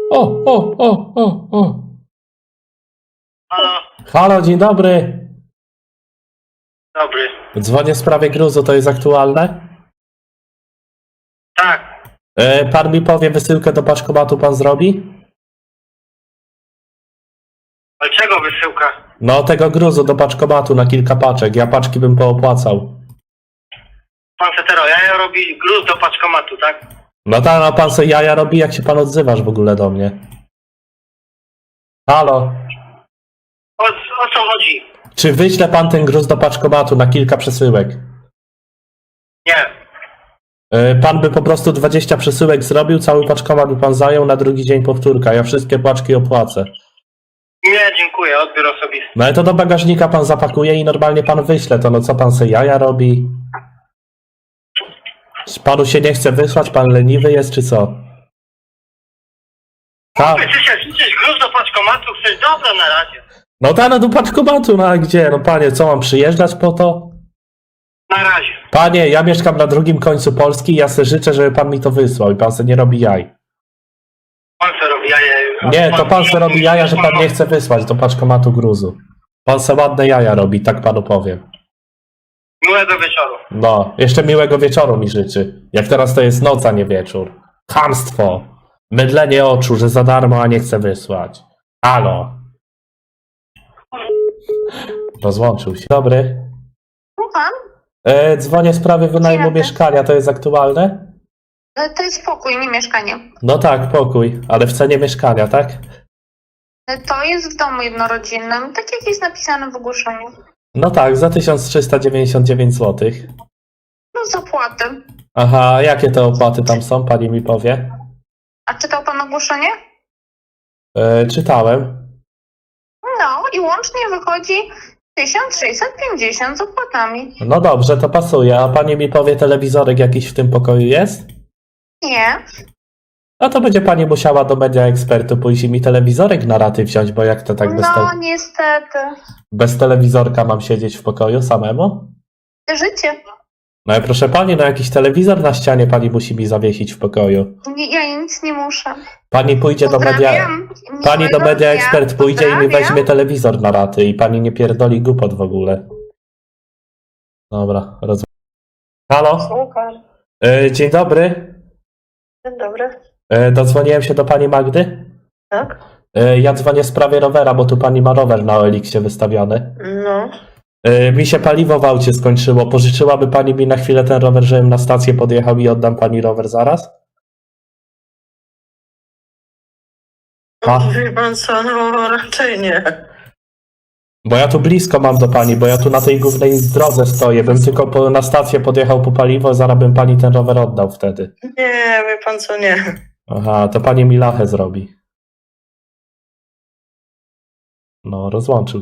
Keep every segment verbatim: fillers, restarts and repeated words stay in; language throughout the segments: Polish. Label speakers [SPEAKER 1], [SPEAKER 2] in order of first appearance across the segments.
[SPEAKER 1] O, o, o, o, o.
[SPEAKER 2] Halo,
[SPEAKER 1] Halo, dzień dobry.
[SPEAKER 2] dobry.
[SPEAKER 1] Dzwonię w sprawie gruzu, to jest aktualne?
[SPEAKER 2] Tak,
[SPEAKER 1] E, pan mi powie, wysyłkę do paczkomatu pan zrobi?
[SPEAKER 2] ale czego wysyłka?
[SPEAKER 1] No, tego gruzu do paczkomatu na kilka paczek. Ja paczki bym poopłacał.
[SPEAKER 2] Pan Setero, ja robi gruz do paczkomatu, tak?
[SPEAKER 1] No tak, no pan se jaja robi, jak się pan odzywasz w ogóle do mnie. Halo,
[SPEAKER 2] O, o co chodzi?
[SPEAKER 1] czy wyśle pan ten gruz do paczkomatu na kilka przesyłek?
[SPEAKER 2] Nie,
[SPEAKER 1] E, pan by po prostu dwadzieścia przesyłek zrobił, cały paczkomat by pan zajął, na drugi dzień powtórka. Ja wszystkie paczki opłacę.
[SPEAKER 2] nie, dziękuję, odbiór osobisty.
[SPEAKER 1] No ale to do bagażnika pan zapakuje i normalnie pan wyśle to. No co pan se jaja robi? Czy panu się nie chce wysłać? Pan leniwy jest, czy co? Tak.
[SPEAKER 2] Ty się chcesz gruz do paczkomatu, chcesz? Dobra, na razie.
[SPEAKER 1] No ta, no do paczkomatu, no a gdzie? No panie, co mam przyjeżdżać po to?
[SPEAKER 2] Na razie.
[SPEAKER 1] Panie, ja mieszkam na drugim końcu Polski i ja se życzę, żeby pan mi to wysłał i pan se nie robi jaj.
[SPEAKER 2] Pan co robi jaja?
[SPEAKER 1] Nie, to pan se robi jaja, że pan nie chce wysłać do paczkomatu gruzu. Pan se ładne jaja robi, tak panu powiem.
[SPEAKER 2] Miłego wieczoru.
[SPEAKER 1] No, jeszcze miłego wieczoru mi życzy. Jak teraz to jest noc, a nie wieczór. Chamstwo. Mydlenie oczu, że za darmo, a nie chce wysłać. Halo. Rozłączył się. Dobry.
[SPEAKER 3] Słucham?
[SPEAKER 1] E, dzwonię w sprawie wynajmu
[SPEAKER 3] Dzień dobry.
[SPEAKER 1] mieszkania, to jest aktualne?
[SPEAKER 3] E, To jest pokój, nie mieszkanie.
[SPEAKER 1] No tak, pokój, ale w cenie mieszkania, tak?
[SPEAKER 3] E, To jest w domu jednorodzinnym, tak jak jest napisane w ogłoszeniu.
[SPEAKER 1] No tak, za tysiąc trzysta dziewięćdziesiąt dziewięć złotych.
[SPEAKER 3] No z opłaty.
[SPEAKER 1] Aha, a jakie te opłaty tam są, pani mi powie?
[SPEAKER 3] A czytał pan ogłoszenie?
[SPEAKER 1] E, czytałem.
[SPEAKER 3] No i łącznie wychodzi tysiąc sześćset pięćdziesiąt z opłatami.
[SPEAKER 1] No dobrze, to pasuje, a pani mi powie, telewizorek jakiś w tym pokoju jest?
[SPEAKER 3] Nie.
[SPEAKER 1] No to będzie pani musiała do Media Ekspertu pójść i mi telewizorek na raty wziąć, bo jak to tak bez,
[SPEAKER 3] No
[SPEAKER 1] te
[SPEAKER 3] niestety.
[SPEAKER 1] bez telewizorka mam siedzieć w pokoju samemu?
[SPEAKER 3] Życie.
[SPEAKER 1] No i proszę pani, no jakiś telewizor na ścianie pani musi mi zawiesić w pokoju.
[SPEAKER 3] Nie, ja nic nie muszę.
[SPEAKER 1] Pani pójdzie do Media...
[SPEAKER 3] Pozdrawiam.
[SPEAKER 1] Pani do
[SPEAKER 3] Miłego
[SPEAKER 1] Media
[SPEAKER 3] dnia.
[SPEAKER 1] Ekspert pójdzie i mi
[SPEAKER 3] Pozdrawiam.
[SPEAKER 1] weźmie telewizor na raty i pani nie pierdoli głupot w ogóle. Dobra, rozumiem. Halo?
[SPEAKER 3] Słucham.
[SPEAKER 1] E, dzień dobry.
[SPEAKER 3] Dzień dobry.
[SPEAKER 1] E, dodzwoniłem się do pani Magdy.
[SPEAKER 3] Tak?
[SPEAKER 1] E, ja dzwonię w sprawie rowera, bo tu pani ma rower na O L X-ie wystawiony.
[SPEAKER 3] No.
[SPEAKER 1] E, mi się paliwo w aucie skończyło. Pożyczyłaby pani mi na chwilę ten rower, żebym na stację podjechał i oddam pani rower zaraz? A,
[SPEAKER 4] Wie pan co, no raczej nie.
[SPEAKER 1] bo ja tu blisko mam do pani, bo ja tu na tej głównej drodze stoję. Bym tylko po, na stację podjechał po paliwo, zaraz bym pani ten rower oddał wtedy.
[SPEAKER 4] Nie, wie pan co, nie.
[SPEAKER 1] Aha, to pani mi lachę zrobi. No, rozłączył.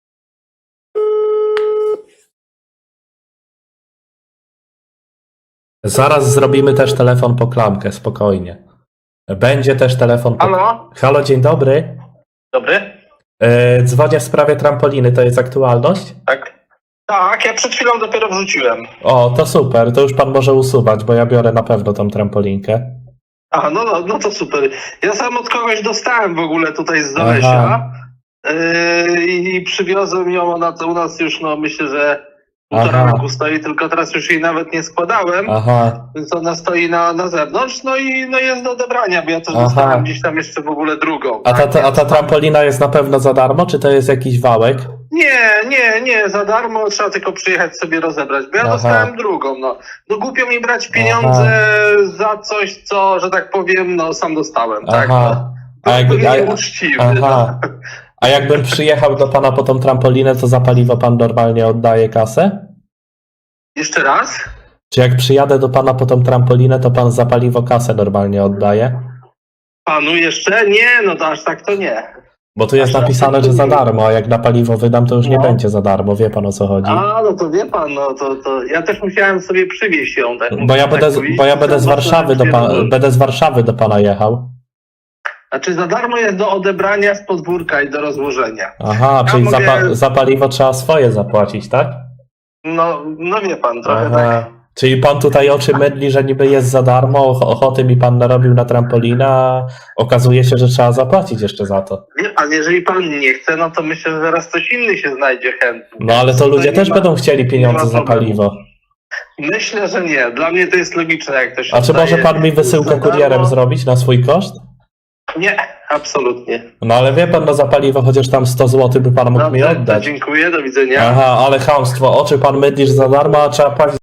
[SPEAKER 1] Zaraz zrobimy też telefon po klamkę, spokojnie. Będzie też telefon po...
[SPEAKER 2] Halo?
[SPEAKER 1] Halo, dzień dobry.
[SPEAKER 2] Dobry?
[SPEAKER 1] E, dzwonię w sprawie trampoliny, to jest aktualność?
[SPEAKER 2] Tak. Tak, ja przed chwilą dopiero wrzuciłem.
[SPEAKER 1] O, to super, to już pan może usuwać, bo ja biorę na pewno tą trampolinkę.
[SPEAKER 5] A, no, no, no to super. Ja sam od kogoś dostałem w ogóle tutaj z
[SPEAKER 1] Aha.
[SPEAKER 5] Zolesia yy, i przywiozłem ją, ona to u nas już, no myślę, że półtora
[SPEAKER 1] Aha.
[SPEAKER 5] roku stoi, tylko teraz już jej nawet nie składałem,
[SPEAKER 1] Aha,
[SPEAKER 5] więc ona stoi na, na zewnątrz, no i no jest do odebrania, bo ja też
[SPEAKER 1] Aha.
[SPEAKER 5] dostałem gdzieś tam jeszcze w ogóle drugą.
[SPEAKER 1] a ta,
[SPEAKER 5] tak?
[SPEAKER 1] ta, a ta trampolina jest na pewno za darmo, czy to jest jakiś wałek?
[SPEAKER 5] Nie, nie, nie, za darmo, trzeba tylko przyjechać sobie rozebrać, bo ja
[SPEAKER 1] Aha.
[SPEAKER 5] dostałem drugą, no. No głupio mi brać pieniądze za coś, co, że tak powiem, no sam dostałem, tak?
[SPEAKER 1] Aha.
[SPEAKER 5] No.
[SPEAKER 1] A
[SPEAKER 5] To
[SPEAKER 1] jakby-
[SPEAKER 5] był
[SPEAKER 1] a-
[SPEAKER 5] nieuczciwy,
[SPEAKER 1] Aha.
[SPEAKER 5] no.
[SPEAKER 1] A jakbym przyjechał do pana po tą trampolinę, to za paliwo pan normalnie oddaje kasę?
[SPEAKER 5] Jeszcze raz?
[SPEAKER 1] Czy jak przyjadę do pana po tą trampolinę, to pan za paliwo kasę normalnie oddaje?
[SPEAKER 5] Panu jeszcze? Nie, no to aż tak to nie.
[SPEAKER 1] Bo tu jest
[SPEAKER 5] Aż
[SPEAKER 1] napisane,
[SPEAKER 5] tak to
[SPEAKER 1] że za
[SPEAKER 5] nie.
[SPEAKER 1] darmo, a jak na paliwo wydam, to już nie
[SPEAKER 5] No.
[SPEAKER 1] będzie za darmo. Wie pan, o co chodzi?
[SPEAKER 5] A, no to wie pan, no to, to ja też musiałem sobie przywieźć ją. Tak,
[SPEAKER 1] Bo ja
[SPEAKER 5] tak
[SPEAKER 1] będę, z-
[SPEAKER 5] powiedzieć,
[SPEAKER 1] bo ja będę z
[SPEAKER 5] to
[SPEAKER 1] Warszawy do
[SPEAKER 5] mocno
[SPEAKER 1] pana, będę z Warszawy do pana jechał.
[SPEAKER 5] Znaczy za darmo jest do odebrania z podwórka i do rozłożenia.
[SPEAKER 1] Aha,
[SPEAKER 5] Ja
[SPEAKER 1] czyli za,
[SPEAKER 5] mogę-
[SPEAKER 1] pa, za paliwo trzeba swoje zapłacić, tak?
[SPEAKER 5] No, no wie pan, trochę tak.
[SPEAKER 1] Aha. Czyli pan tutaj oczy mydli, że niby jest za darmo, och- ochoty mi pan narobił na trampolina, a okazuje się, że trzeba zapłacić jeszcze za to.
[SPEAKER 5] Wie pan, jeżeli pan nie chce, no to myślę, że zaraz ktoś inny się znajdzie chętny.
[SPEAKER 1] No ale to
[SPEAKER 5] Tutaj
[SPEAKER 1] ludzie
[SPEAKER 5] nie
[SPEAKER 1] też
[SPEAKER 5] ma-
[SPEAKER 1] będą chcieli
[SPEAKER 5] nie
[SPEAKER 1] pieniądze
[SPEAKER 5] ma
[SPEAKER 1] za
[SPEAKER 5] problemu.
[SPEAKER 1] paliwo.
[SPEAKER 5] Myślę, że nie. Dla mnie to jest logiczne, jak to się
[SPEAKER 1] A czy może
[SPEAKER 5] zdaje
[SPEAKER 1] pan mi wysyłkę
[SPEAKER 5] za darmo.
[SPEAKER 1] kurierem zrobić na swój koszt?
[SPEAKER 5] Nie, absolutnie.
[SPEAKER 1] No ale wie pan, no za paliwo chociaż tam sto złotych by pan mógł mi
[SPEAKER 5] Dobrze, to
[SPEAKER 1] oddać.
[SPEAKER 5] dziękuję, do widzenia.
[SPEAKER 1] Aha, ale chamstwo, oczy pan mydlisz za darmo, a trzeba płacić